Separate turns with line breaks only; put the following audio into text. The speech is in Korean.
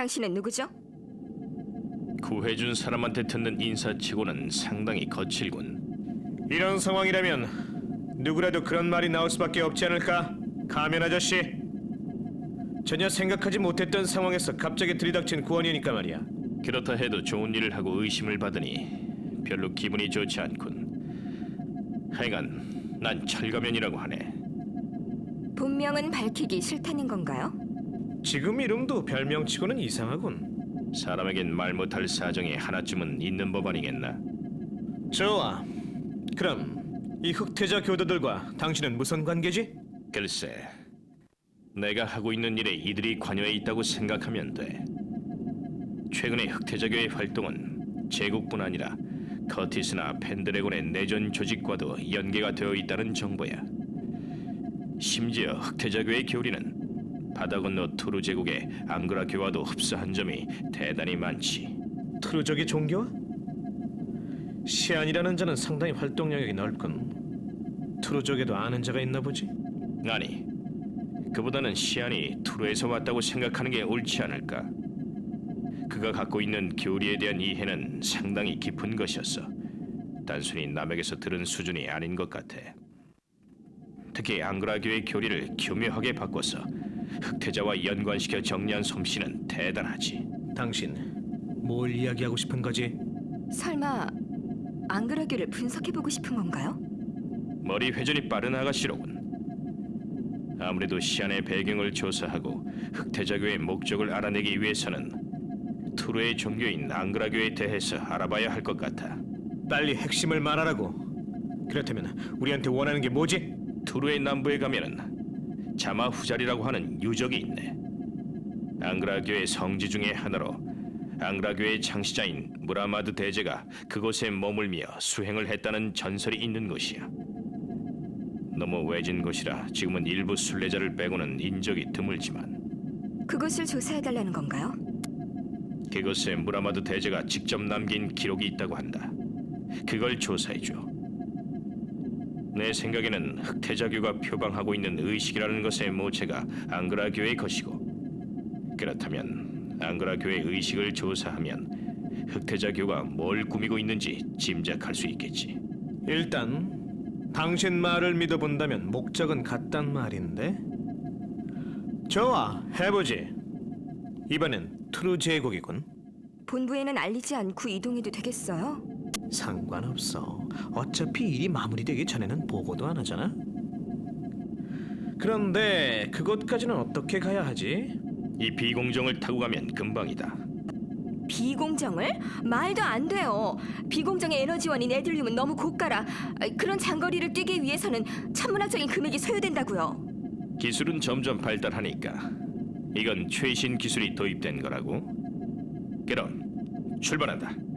당신은 누구죠?
구해준 사람한테 듣는 인사치고는 상당히 거칠군.
이런 상황이라면 누구라도 그런 말이 나올 수밖에 없지 않을까? 가면 아저씨. 전혀 생각하지 못했던 상황에서 갑자기 들이닥친 구원이니까 말이야.
그렇다 해도 좋은 일을 하고 의심을 받으니 별로 기분이 좋지 않군. 하여간 난 철가면이라고 하네.
본명은 밝히기 싫다는 건가요?
지금 이름도 별명치고는 이상하군.
사람에겐 말 못할 사정이 하나쯤은 있는 법 아니겠나?
좋아. 그럼 이 흑태자 교도들과 당신은 무슨 관계지?
글쎄, 내가 하고 있는 일에 이들이 관여해 있다고 생각하면 돼. 최근에 흑태자교의 활동은 제국뿐 아니라 커티스나 펜드래곤의 내전 조직과도 연계가 되어 있다는 정보야. 심지어 흑태자교의 교리는 바다 건너 투르 제국의 앙그라교와도 흡사한 점이 대단히 많지.
트루족의 종교와? 시안이라는 자는 상당히 활동 영역이 넓군. 트루족에도 아는 자가 있나 보지?
아니, 그보다는 시안이 투르에서 왔다고 생각하는 게 옳지 않을까? 그가 갖고 있는 교리에 대한 이해는 상당히 깊은 것이었어. 단순히 남에게서 들은 수준이 아닌 것 같아. 특히 앙그라교의 교리를 교묘하게 바꿔서 흑태자와 연관시켜 정리한 솜씨는 대단하지.
당신 뭘 이야기하고 싶은 거지?
설마 앙그라교를 분석해보고 싶은 건가요?
머리 회전이 빠른 아가씨로군. 아무래도 시안의 배경을 조사하고 흑태자교의 목적을 알아내기 위해서는 투르의 종교인 앙그라교에 대해서 알아봐야 할 것 같아.
빨리 핵심을 말하라고. 그렇다면 우리한테 원하는 게 뭐지?
투르의 남부에 가면은 자마후자리라고 하는 유적이 있네. 앙그라교의 성지 중의 하나로 앙그라교의 창시자인 무라마드 대제가 그곳에 머물며 수행을 했다는 전설이 있는 곳이야. 너무 외진 곳이라 지금은 일부 순례자를 빼고는 인적이 드물지만
그것을 조사해달라는 건가요?
그곳에 무라마드 대제가 직접 남긴 기록이 있다고 한다. 그걸 조사해줘. 내 생각에는 흑태자교가 표방하고 있는 의식이라는 것의 모체가 앙그라교의 것이고, 그렇다면 앙그라교의 의식을 조사하면 흑태자교가 뭘 꾸미고 있는지 짐작할 수 있겠지.
일단 당신 말을 믿어본다면 목적은 같단 말인데. 좋아, 해보지. 이번엔 트루 제국이군.
본부에는 알리지 않고 이동해도 되겠어요?
상관없어. 어차피 일이 마무리되기 전에는 보고도 안 하잖아. 그런데 그곳까지는 어떻게 가야 하지?
이 비공정을 타고 가면 금방이다.
비공정을? 말도 안 돼요. 비공정의 에너지원인 에들륨은 너무 고가라. 그런 장거리를 뛰기 위해서는 천문학적인 금액이 소요된다고요.
기술은 점점 발달하니까 이건 최신 기술이 도입된 거라고. 그럼 출발한다.